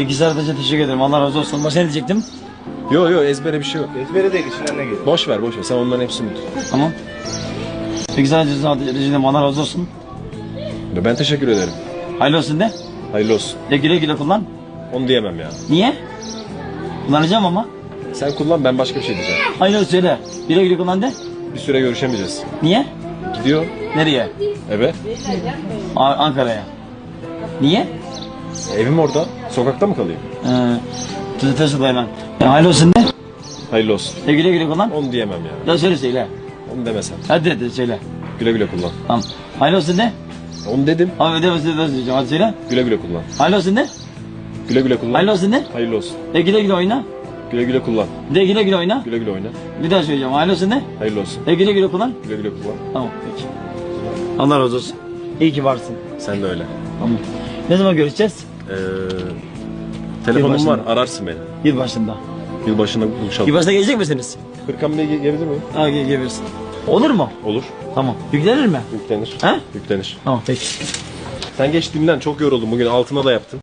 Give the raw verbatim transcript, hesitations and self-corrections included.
İki saat önce teşekkür ederim. Allah razı olsun. Başka ne diyecektim? Yo yo ezbere bir şey yok. Ezbere değil, içinden ne geliyor? Boş ver boş ver sen onların hepsini tut. Tamam. İki saat önce teşekkür ederim. Allah razı olsun. Ben teşekkür ederim. Hayırlı olsun de. Hayırlı olsun. De güle güle kullan. Onu diyemem ya. Niye? Kullanacağım ama. Sen kullan ben başka bir şey diyeceğim. Hayırlı olsun söyle. Güle güle kullan de. Bir süre görüşemeyeceğiz. Niye? Gidiyor Nereye? eve. A- Ankara'ya. Niye? Evim orada. Sokakta mı kalayım? Ee, Tuzu tasıl hemen. Ya, hayırlı olsun de. Hayırlı olsun. De güle güle kullan. Onu diyemem ya. Ya söyle söyle. Onu demesen. Hadi de, de söyle. Güle güle kullan. Tamam. Hayırlı olsun de. Onu dedim. Abi ödeme ödeme söyleyeceğim. Hadi söyle. Güle güle kullan. Hayırlı olsun de. Güle güle kullan. Hayırlı olsun de. Hayırlı olsun. De güle güle oyna. Güle güle kullan. De güle güle oyna. Güle güle oyna. Bir daha söyleyeceğim. Hayırlı olsun de. Hayırlı olsun. De güle güle kullan. Güle güle kullan. Tamam peki. Allah razı olsun. İyi ki varsın. Sen de öyle. Tamam. Ne zaman görüşeceğiz? Ee, telefonum Yılbaşında. var ararsın beni. Yılbaşında. Yılbaşında buluşalım. Yılbaşında gelecek misiniz? Hırkan Bey'e gelebilir miyim? Ha gel gelirsin. Olur mu? Olur. Tamam. Yüklenir mi? Yüklenir. He? Yüklenir. Tamam peki. Sen geç dinlen çok yoruldum bugün altına da yaptın.